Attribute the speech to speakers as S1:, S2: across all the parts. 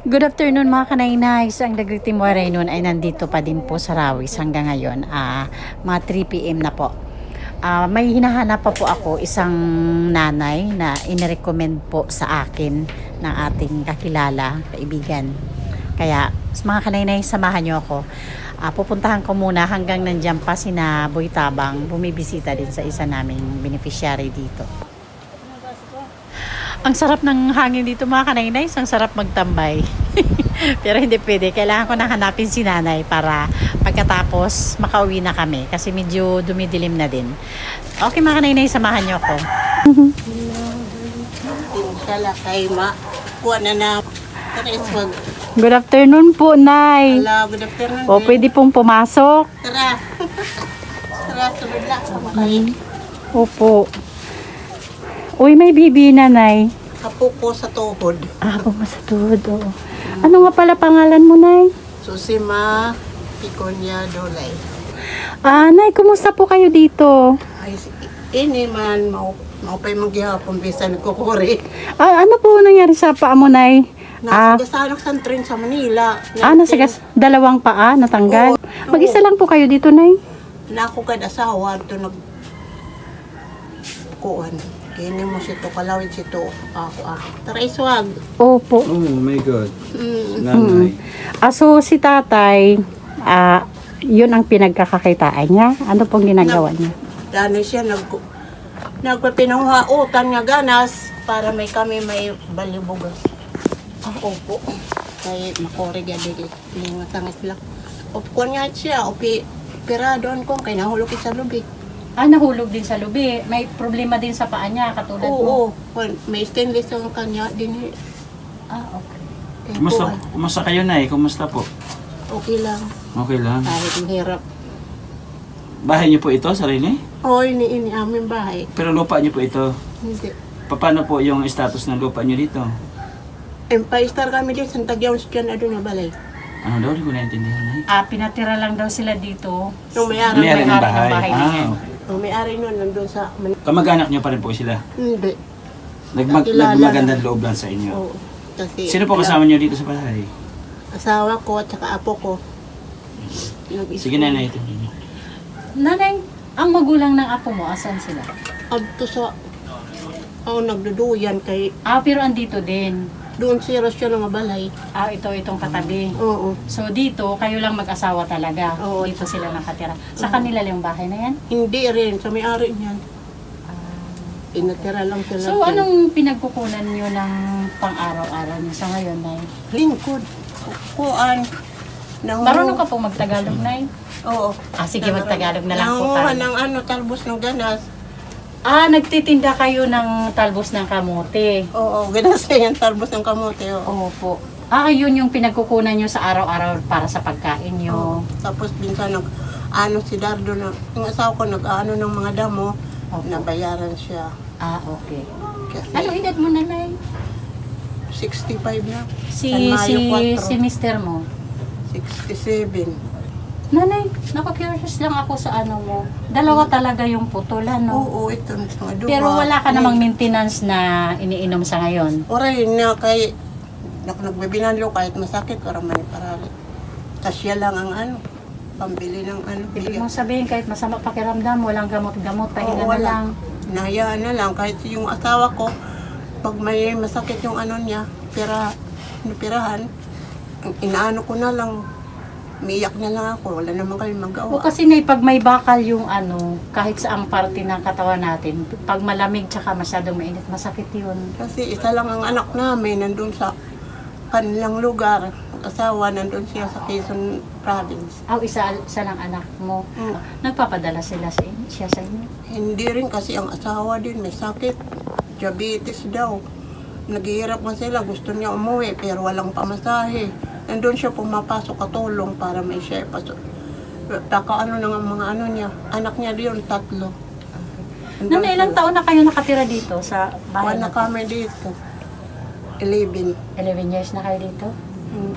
S1: Good afternoon mga kanainays. Ang Dagriti Moray noon ay nandito pa din po sa Rawis hanggang ngayon. Mga 3 p.m. na po. May hinahanap pa po ako isang nanay na inirecommend po sa akin ng ating kakilala, kaibigan. Kaya mga kanainays, samahan nyo ako. Pupuntahan ko muna hanggang nandiyan pa sina Boy Tabang. Bumibisita din sa isa naming beneficiary dito. Ang sarap ng hangin dito mga kanainays, ang sarap magtambay. Pero hindi pwede, kailangan ko na hanapin si nanay para pagkatapos makauwi na kami kasi medyo dumidilim na din. Okay mga kanainays, samahan niyo ako.
S2: Kala kay ma, kuha na na.
S1: Good afternoon po, Nay.
S2: Hello, good afternoon.
S1: O, pwede pong pumasok.
S2: Tara. Tara, sunod lang. Kumakain.
S1: Opo. Uy, may bibi na, Nay.
S2: Apo ko sa tuhod.
S1: Pumasatod, oo. Ano nga pala pangalan mo, Nay?
S2: Susima Piconia Dolay.
S1: Nay, kumusta po kayo dito?
S2: Ay, ini man, maupay maghihapon bisa nagkukuri.
S1: Ano po nangyari sa paa mo, Nay?
S2: Nasagasarok sa train sa Manila.
S1: Dalawang paa, natanggal.
S2: Oo.
S1: Mag-isa lang po kayo dito, Nay?
S2: Nako kad asawa, ito nag... Kuhan. Kini mo sito, kalawin sito. Ako. Tara, iswag.
S1: Opo.
S3: Oh my God.
S2: Mm.
S3: Nanay.
S1: So, si tatay, yun ang pinagkakakitaan niya? Ano pong ginagawa niya?
S2: Dano siya, nagpapinanghautan nga ganas para kami may balibugas. Opo. Kay makorig ya dili. Mga tangit lang. Opo niya siya. Pira doon ko. Kay nahulog sa lubig.
S1: Nahulog din sa lubi. May problema din sa paa niya, katulad mo?
S2: Oo. May stainless ang kanya din.
S1: Okay.
S2: Kaya
S3: Kumusta kayo, Nay? Kumusta po?
S2: okay lang.
S3: Okay lang.
S2: Kahit mahirap.
S3: Bahay niyo po ito, sarili?
S2: Oo, ini aming bahay.
S3: Pero lupa niyo po ito.
S2: Hindi.
S3: Paano po yung status ng lupa niyo dito?
S2: Empire Star kami din. Santa Gions dyan na doon na balay.
S3: Ano daw? Hindi ko naintindihan, Nay.
S1: Pinatira lang daw sila dito.
S2: Yung may-ari.
S3: May-ari ng bahay.
S1: bahay niya.
S3: Okay.
S2: Yung may-ari nun, nandun sa...
S3: Kamag-anak niyo pa rin po sila?
S2: Hindi. Kilala
S3: Nagmagandang loob lang sa inyo.
S2: Oo. Kasi,
S3: Sino po kasama niyo dito sa bahay?
S2: asawa ko at saka apo ko.
S3: Sige, Nanay. Ito.
S1: Nanay, ang magulang ng apo mo, asan sila?
S2: Adto sa... nagduduyan kay...
S1: Pero andito din.
S2: Doon siya ng balay.
S1: Itong katabi.
S2: Oo.
S1: So dito, kayo lang mag-asawa talaga.
S2: Oo.
S1: Dito sila nakatira. Sa kanila lang yung bahay na yan?
S2: Hindi rin. Sa may-ari niyan. Inatira lang sila.
S1: So
S2: dyan.
S1: anong pinagkukunan nyo ng pang-araw-araw nyo sa ngayon, Nay?
S2: Lingkod. Kuan.
S1: Marunong ka pong magtagalog, Nay?
S2: Oo.
S1: Sige, magtagalog na lang po
S2: Nanguha
S1: tayo.
S2: ng talbos ng ganas.
S1: Nagtitinda kayo ng talbos ng kamote.
S2: Oo, ganas na yan. Talbos ng kamote. Oo.
S1: Opo. Yun yung pinagkukunan nyo sa araw-araw para sa pagkain nyo.
S2: Tapos minsan si Dardo na, yung asawa ko nag-ano ng mga damo,
S1: Opo.
S2: nabayaran siya.
S1: Okay.
S2: Kasi
S1: Anong edad mo, Nanay?
S2: 65 na.
S1: Si mister mo?
S2: 67.
S1: Nanay, naku-curious lang ako sa ano mo. Dalawa talaga yung putol, ano?
S2: Oo, ito na mga duwa.
S1: Pero wala ka namang maintenance na iniinom sa ngayon.
S2: Oray na kay nagbibinanlo kahit masakit para maniparali. Kasya lang ang pambili ng
S1: Ibig
S2: bigas.
S1: mong sabihin, kahit masama pakiramdam, walang gamot-gamot, pahinga na
S2: wala.
S1: lang.
S2: Nahayaan na lang kahit yung asawa ko pag may masakit yung niya, pirahan, inaano ko na lang. Umiyak na lang ako, wala naman kami magawa.
S1: Kasi pag may bakal yung kahit saang parte ng katawan natin, pag malamig tsaka masyadong mainit, masakit yun.
S2: Kasi isa lang ang anak namin, nandun sa kanilang lugar. Asawa, nandun siya sa Quezon Province.
S1: Isa lang anak mo. Nagpapadala siya sa inyo?
S2: Hindi rin kasi ang asawa din may sakit. Diabetes daw. Naghihirap man sila, gusto niya umuwi pero walang pamasahe. Nandun siya pumapasok katulong para may siya pasok. Taka ng mga niya. Anak niya diyon 3.
S1: Nanay, ilang taon na kayo nakatira dito sa bahay?
S2: Wala kami dito. 11.
S1: 11 years na kayo dito?
S2: Mm.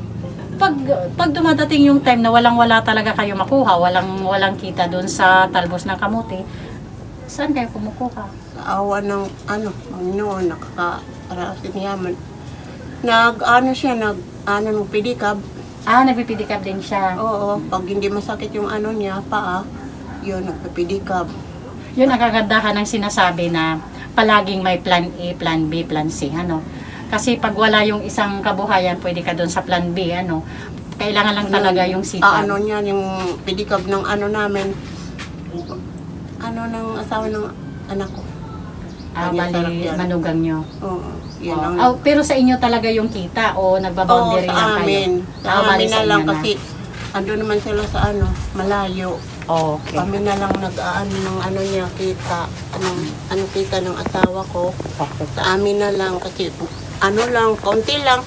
S1: Pag dumadating yung time na walang-wala talaga kayo makuha, walang kita doon sa talbos ng kamote, saan kayo kumukuha?
S2: Sa awa ng Panginoon, nakakarasin yaman. Ng pedicab.
S1: Nagpipidikab din siya.
S2: Oo, pag hindi masakit yung paa, yun, nagpipidikab.
S1: Yun ang kagandahan ng sinasabi na palaging may plan A, plan B, plan C, ano. Kasi pag wala yung isang kabuhayan, pwede ka doon sa plan B, ano. Kailangan lang talaga yung sipag.
S2: Yung pedicab ng namin, ng asawa ng anak ko. Kanya sarap
S1: Bali,
S2: yan.
S1: manugang nyo.
S2: Oo, yun ang...
S1: Pero sa inyo talaga yung kita o nagbaboundary
S2: Oo,
S1: lang
S2: sa
S1: kayo?
S2: amin. Sa
S1: Bali,
S2: amin na
S1: sa
S2: lang
S1: inyo
S2: kasi ando naman sila sa malayo.
S1: Okay.
S2: Kami na lang nag-aano ng niya kita, kita ng asawa ko.
S1: Okay.
S2: Sa amin na lang kasi lang, kaunti lang.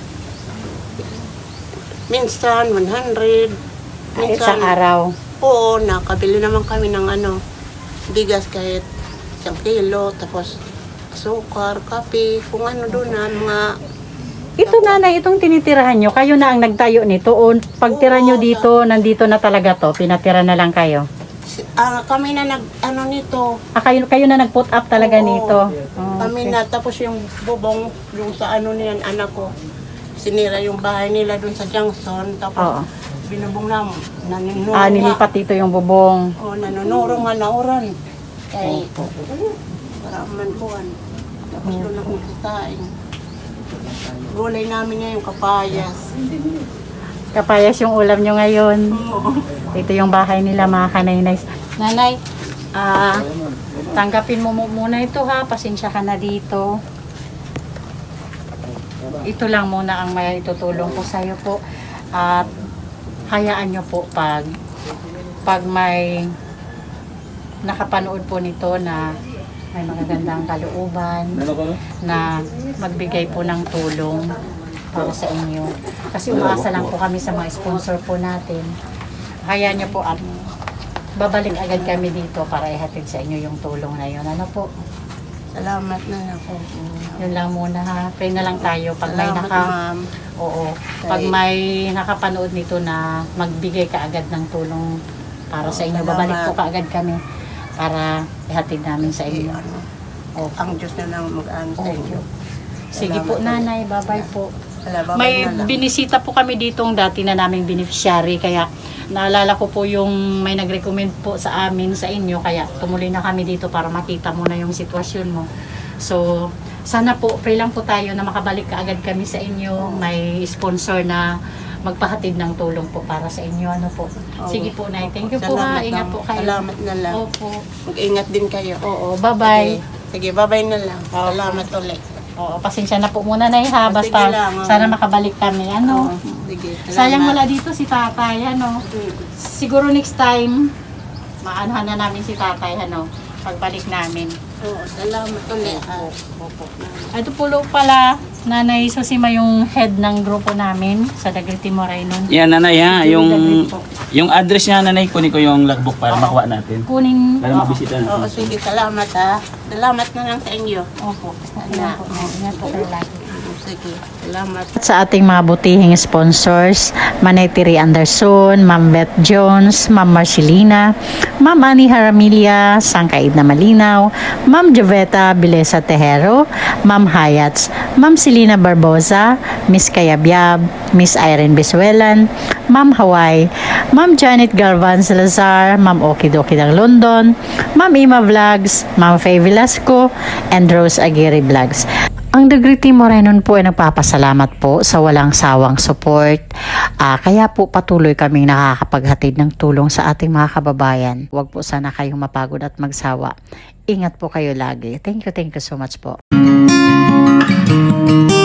S2: Minsan 100.
S1: Isang araw.
S2: Oo, nakabili naman kami ng bigas kahit 1 kilo, tapos sukar, kape, kung doon mga...
S1: Ito nanay, itong tinitirahan nyo, kayo na ang nagtayo nito o pagtira nyo dito, nandito na talaga to, pinatira na lang kayo?
S2: Kami na nito.
S1: Kayo na nag-put up talaga
S2: Oo.
S1: nito?
S2: Kami na, tapos yung bubong, yung sa niyan, anak ko, sinira yung bahay nila doon sa Junction, tapos
S1: Oo.
S2: binubong lang, naninuro
S1: Nilipat dito yung bubong.
S2: nanunuro nga nauran. Kaya, para manpuan. Tapos doon ako nagsasaing. Gulay namin ngayon, kapayas.
S1: Kapayas yung ulam nyo ngayon.
S2: Oo.
S1: Ito yung bahay nila mga kanaynay. Nanay, tanggapin mo muna ito ha. Pasensya ka na dito. Ito lang muna ang may itutulong ko sa'yo po. At hayaan nyo po pag may nakapanood po nito na may magagandang kalooban na magbigay po ng tulong para sa inyo. Kasi umaasa lang po kami sa mga sponsor po natin. Hayaan nyo po at babalik agad kami dito para ihatid sa inyo yung tulong na yun. Ano po?
S2: Salamat na ako.
S1: Yun lang muna ha. Pray na lang tayo pag may
S2: Salamat, ma'am.
S1: Oo. Pag may nakapanood nito na magbigay ka agad ng tulong para sa inyo.
S2: Salamat.
S1: Babalik po kaagad kami para ihatid namin sa inyo. Opo.
S2: Ang Diyos na lang mag-ano sa inyo.
S1: Sige po nanay, bye-bye po.
S2: Salamat
S1: May
S2: na lang.
S1: binisita po kami ditong dati na naming beneficiary kaya naalala ko po yung may nag-recommend po sa amin sa inyo kaya tumuloy na kami dito para makita mo na yung sitwasyon mo. So, sana po, pray lang po tayo na makabalik kaagad kami sa inyo. May sponsor na magpahatid ng tulong po para sa inyo. Ano po? Sige po, Nay. Thank you po ha.
S2: Salamat,
S1: Ingat
S2: ma'am.
S1: po kayo.
S2: Salamat na lang.
S1: Opo.
S2: Mag-ingat din kayo.
S1: Oo, bye-bye.
S2: Sige, bye-bye na lang.
S1: Okay.
S2: Salamat ulit.
S1: Oo, pasensya na po muna, Nay ha.
S2: Sige
S1: Basta
S2: lang,
S1: sana makabalik kami. Ano?
S2: Sige, salamat.
S1: Sayang wala dito si tatay, ano. Siguro next time, maanohan na namin si tatay, ano, pagbalik namin.
S2: Oo, salamat ulit.
S1: Opo. Ito po pala, Nanay Susima yung head ng grupo namin sa Dagriti Moraynon.
S3: Yan nanay ha,
S1: Ito
S3: yung
S1: Dagriti po.
S3: yung address niya nanay, kunin ko yung logbook para makuha natin.
S1: Kunin,
S3: Para mabisita
S2: Oo,
S3: natin.
S2: sige, salamat ha. Salamat na lang sa inyo.
S1: opo. Ingat po, ingat po kayo lagi.
S2: Sige, salamat.
S1: Sa ating mga butihing sponsors, Manay Tiri Anderson, Ma'am Beth Jones, Ma'am Marcelina, Ma'am Ani Haramilia, Sangkaid na Malinaw, Ma'am Joveta Bilesa Tejero, Ma'am Hayats, Ma'am Selina Barbosa, Miss Kayabyab, Miss Irene Bisuelan, Ma'am Hawaii, Ma'am Janet Galvan Salazar, Ma'am Okidoki ng London, Ma'am Ima Vlogs, Ma'am Faye Velasco, and Rose Aguirre Vlogs. Ang Dagriti Moraynon po ay nagpapasalamat po sa walang sawang support. Kaya po patuloy kaming nakakapaghatid ng tulong sa ating mga kababayan. Huwag po sana kayong mapagod at magsawa. Ingat po kayo lagi. Thank you so much po.